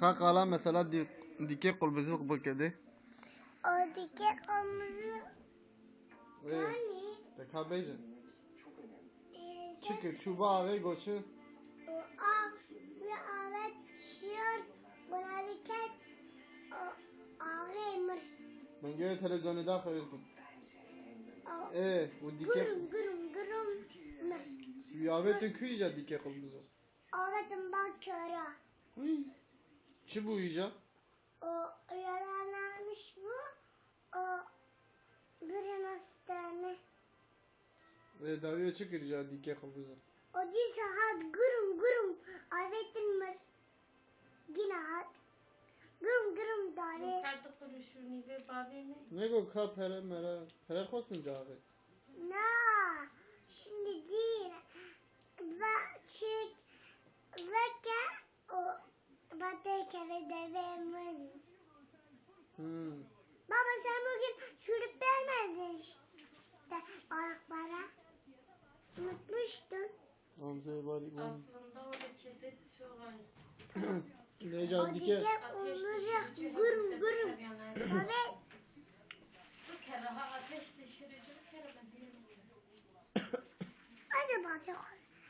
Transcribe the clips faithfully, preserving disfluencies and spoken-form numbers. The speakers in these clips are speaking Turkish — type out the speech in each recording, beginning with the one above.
Kakala mesela di, dike kulbüzü bukedi. O dike kırmızı. Yani. Tekha bejin. e, Çıkı çuba ağabey goçu. O av ve avet şiyor. Buna dikkat. O ağrımır. Ben göre televizyonu da koyuyorsun. O Eee bu dike. gürüm gürüm gürüm mır. Yavet döküyece dike kulbüzü. Avetim bak köre. Çi bu iyice? O yaralanmış bu. O bir hastane. Ve daviye çıkırca dike kulbüzü. O di saat gürüm gürüm avetin mır. Yine hat. Gürüm gürüm davet. Kartı konuşur ve babi mi? Ne go ka pere mere. Pere khostin cavet. Na. Şimdi değil. Ve çık. Ve ke. O batı keve devemin. Hmm. Baba sen bugün şurup vermedin işte. Ayaklara. Unutmuştun. Amca bari bu. Aslında o reçete çok ayıp. Ne O can dike. dike olacak. Gürüm gürüm. Evet. Bu kere ha ateş düşürücü bir kere ben bilemedim. Hadi bakalım.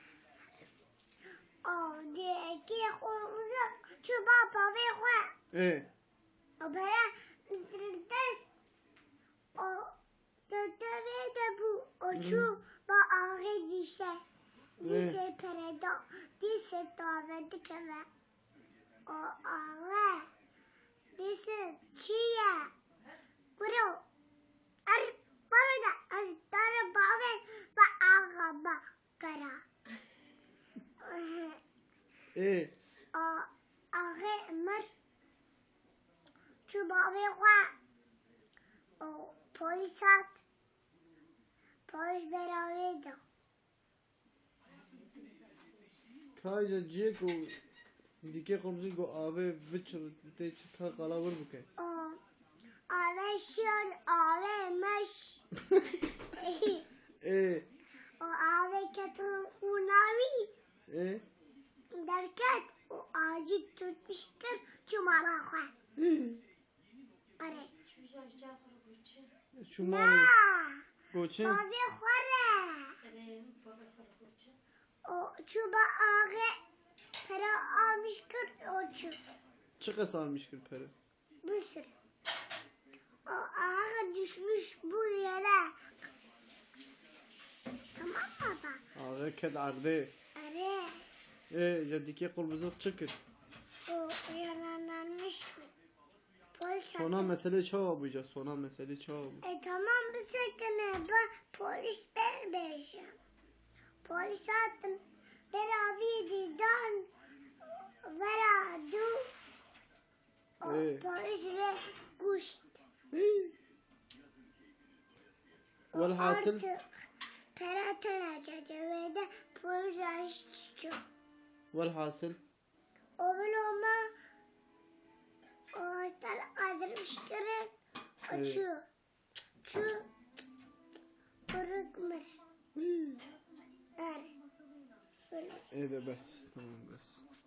O dike olacak. Çubuğa baba koy. E. O böyle ders. O dödeve de bu. O çubuğa ağrı düşer. Dise pereda. Dise daveti keve. O ağrı. Dise çiğe. Kuru. Ar bana da arı bavet ve ağaba kara. E. O ağrı mır. Çubuğa ve koy. O polis at. Polis beraberdi. Kayca ciye go dike kulbüzü go ave vichur te çıka kala vur buke. O aveşiyor avemiş. E. O ave ketun unavi. E. Derken o ağacı tutmuştur çumala koy. Are. Çocuğa Cafer Gülçin. Çumari. Na. Goçin. Babi khore. Eleyim baba Gülçin. O çuba ağı para almış kır o çub. Çıka sarmış kır pere. Bir sürü. O ağı düşmüş bu yere. Tamam mı baba? Ağabey ked arde. Are. E ya dike kulbüzü çıkır. O yaralanmış mı? Polis Sona attı. mesele çoğu buyca. Sona mesele çoğu. E tamam bir sakın ben polis vermeyeceğim. Polis attım. Beraberdi dan. Veradu. O E. polis ve kuşt. Velhasıl. Artık peratılacak ve de polis açtı. Velhasıl. O bulama o sana adırmış kere açıyor. Şu bırakmır. Er. Böyle. E de bes. Tamam bes.